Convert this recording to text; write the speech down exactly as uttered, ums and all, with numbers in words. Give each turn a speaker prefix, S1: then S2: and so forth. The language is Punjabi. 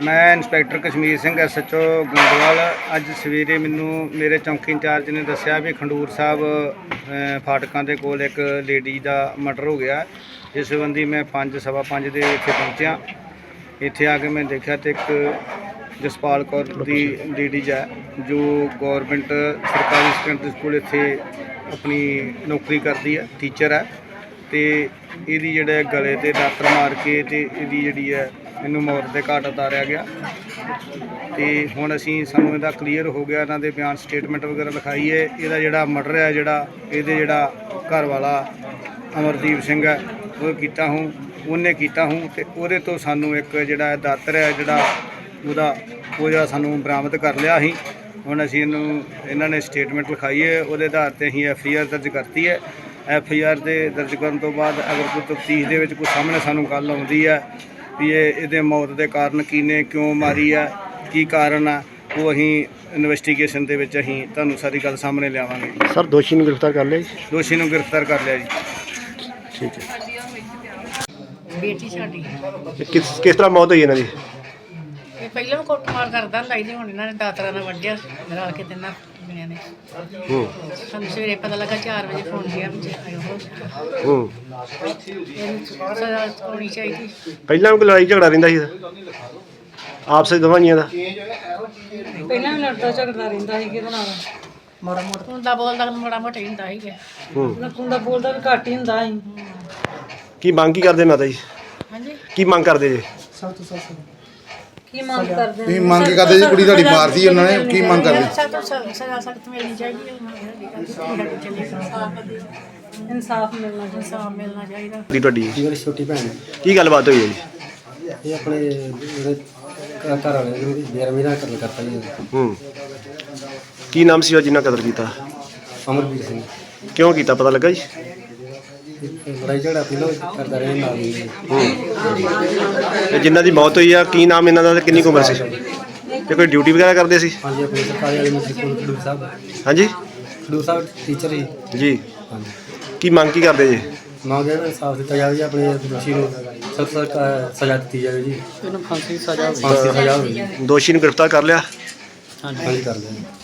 S1: मैं inspector Kashmir Singh S H O Gondwal. अज सवेरे मैनू मेरे चौंकी इंचार्ज ने दस्सिया भी खंडूर साहब फाटकों के कोल एक लेडी का मर्डर हो गया। इस संबंधी मैं पाँच सवा पाँच दे इत्थे पहुँचा। इत्थे आके मैं देखा तो एक जसपाल कौर की लेडीज है जो गौरमेंट सरकारी सैकेंडरी स्कूल इत्थे अपनी नौकरी करती है, टीचर है। तो यदी जोड़े गले ते दातर मार के ते यदी जी है इनू मौत के घाट उतारिया गया। तो हुण असी सानू इहदा क्लीयर हो गया, इन्हां दे बयान स्टेटमेंट वगैरह लिखाई है। इहदा जिहड़ा मर्डर है जिहड़ा इहदे जिहड़ा घर वाला अमरदीप सिंह है वो कीता हूँ उन्हें कीता हूँ तो उहदे तो सानू एक जिहड़ा दातर है जिहड़ा उहदा वो जिहड़ा सानू बरामद कर लिया ही। हुण असी इनू इन्हां ने स्टेटमेंट लिखाई है, उहदे आधार ते असीं एफ आई आर दर्ज करती है। एफ आई आर दे दर्ज करन तो बाद अगर कोई तफ्तीश दे विच कोई सामने सानू गल आउंदी है भी ये इहदे मौत के कारण की ने क्यों मारी है की कारण है वो अहीं इन्वेस्टिगेशन दे विच अहीं तुहानूं सारी गल सामने लियावांगे।
S2: सर दोषी नूं गिरफ्तार कर लिया जी?
S1: दोषी नूं गिरफ्तार कर लिया जी।
S2: ठीक है।
S3: बेटी साडी
S2: किस किस तरह मौत हुई इन्हां दी?
S3: ਇਹ ਪਹਿਲਾਂ ਵੀ ਕੁੱਟਮਾਰ ਕਰਦਾ ਹੁੰਦਾ ਸੀ ਤੇ ਹੁਣ ਇਹਨਾਂ ਨੇ ਦਾਤਰਾਂ ਨਾਲ ਵੱਢਿਆ ਰਲ ਕੇ ਤਿੰਨਾਂ ਜਣਿਆਂ ਨੇ।
S2: ਹੂੰ
S3: ਸਾਨੂੰ ਸਵੇਰੇ ਪਤਾ ਲੱਗਾ ਚਾਰ ਵਜੇ ਫੋਨ ਗਿਆ ਵੀ ਆਇਓ ਹੋ
S2: ਹੂੰ
S3: ਇਹਨੂੰ ਸਜ਼ਾ ਹੋਣੀ ਚਾਹੀਦੀ।
S2: ਪਹਿਲਾਂ ਵੀ ਕੋਈ ਲੜਾਈ ਝਗੜਾ ਰਹਿੰਦਾ ਸੀ ਆਪਸ ਵਿੱਚ ਦੋਵਾਂ ਜੀਆਂ ਦਾ?
S3: ਪਹਿਲਾਂ ਵੀ ਲੜਦਾ ਝਗੜਦਾ ਰਹਿੰਦਾ ਸੀ ਕਿਹਦੇ ਨਾਲ ਮਾੜਾ ਮੋਟਾ ਹੁੰਦਾ ਬੋਲਦਾ ਮਾੜਾ ਮੋਟਾ ਹੀ ਹੁੰਦਾ ਸੀਗਾ।
S2: ਹੂੰ
S3: ਹੁੰਦਾ ਬੋਲਦਾ ਵੀ ਘੱਟ ਹੀ ਹੁੰਦਾ ਸੀ।
S2: ਕੀ ਮੰਗ ਕੀ ਕਰਦੇ ਮਾਤਾ ਜੀ?
S3: ਹਾਂਜੀ
S2: ਕੀ ਮੰਗ ਕਰਦੇ ਜੀ?
S3: ਸਭ ਤੋਂ ਸਭ ਕੀ ਮੰਗ ਕਰਦੇ
S4: ਕੀ ਮੰਗ ਕਰਦੇ ਜੀ? ਕੁੜੀ ਤੁਹਾਡੀ ਮਾਰਦੀ ਉਹਨਾਂ ਨੇ, ਕੀ ਮੰਗ ਕਰਦੇ?
S3: ਸਭ ਤੋਂ ਸਜ਼ਾ ਸਖਤ ਮਿਲਣੀ ਚਾਹੀਦੀ ਹੈ। ਇਨਸਾਫ ਮਿਲਣਾ ਇਨਸਾਫ ਮਿਲਣਾ ਚਾਹੀਦਾ।
S2: ਦੀ ਤੁਹਾਡੀ
S5: ਮੇਰੀ ਛੋਟੀ ਭੈਣ ਹੈ।
S2: ਕੀ ਗੱਲਬਾਤ ਹੋਈ ਹੈ ਜੀ?
S5: ਇਹ ਆਪਣੇ ਜਿਹੜੇ ਘ- ਘਰ ਵਾਲੇ ਨੂੰ ਬੇਰਮੀ ਨਾਲ ਕਤਲ ਕਰਤਾ ਜੀ।
S2: ਹੂੰ ਕੀ ਨਾਮ ਸੀ ਉਹ ਜਿਨ੍ਹਾਂ ਕਤਲ ਕੀਤਾ?
S5: ਅਮਰਵੀਰ ਸਿੰਘ।
S2: ਕਿਉਂ ਕੀਤਾ ਪਤਾ ਲੱਗਾ ਜੀ?
S5: ਇਹ ਲੜਾਈ ਝਗੜਾ ਪਹਿਲਾਂ ਕਰਦਾ ਰਿਹਾ ਨਾਲ ਹੀ।
S2: ਤੇ ਜਿਨ੍ਹਾਂ ਦੀ ਮੌਤ ਹੋਈ ਆ ਕੀ ਨਾਮ ਇਹਨਾਂ ਦਾ ਤੇ ਕਿੰਨੀ ਕੁ ਉਮਰ ਸੀ? ਤੇ ਕੋਈ ਡਿਊਟੀ ਵਗੈਰਾ ਕਰਦੇ ਸੀ?
S5: ਹਾਂਜੀ ਆਪਣੇ ਸਰਕਾਰੀ ਵਾਲੇ ਮਿਸਟਰ ਕੋਲ ਖਡੂਰ ਸਾਹਿਬ
S2: ਹਾਂਜੀ
S5: ਖਡੂਰ ਸਾਹਿਬ ਟੀਚਰ ਸੀ।
S2: ਜੀ।
S5: ਹਾਂਜੀ
S2: ਕੀ ਮੰਗ ਕੀ ਕਰਦੇ ਜੀ?
S5: ਮੰਗ ਹੈ ਇਨਸਾਫ ਦਿੱਤਾ ਜਾਵੇ ਜੀ, ਆਪਣੇ ਦੋਸ਼ੀ ਨੂੰ ਸਖਤ ਸਖਤ ਸਜ਼ਾ ਦਿੱਤੀ ਜਾਵੇ ਜੀ।
S3: ਇਹਨੂੰ ਫਾਂਸੀ ਦੀ ਸਜ਼ਾ
S5: ਫਾਂਸੀ ਦੀ ਸਜ਼ਾ ਹੋਵੇ ਜੀ।
S2: ਦੋਸ਼ੀ ਨੂੰ ਗ੍ਰਿਫਤਾਰ ਕਰ ਲਿਆ?
S5: ਹਾਂਜੀ ਕਰ ਲਿਆ।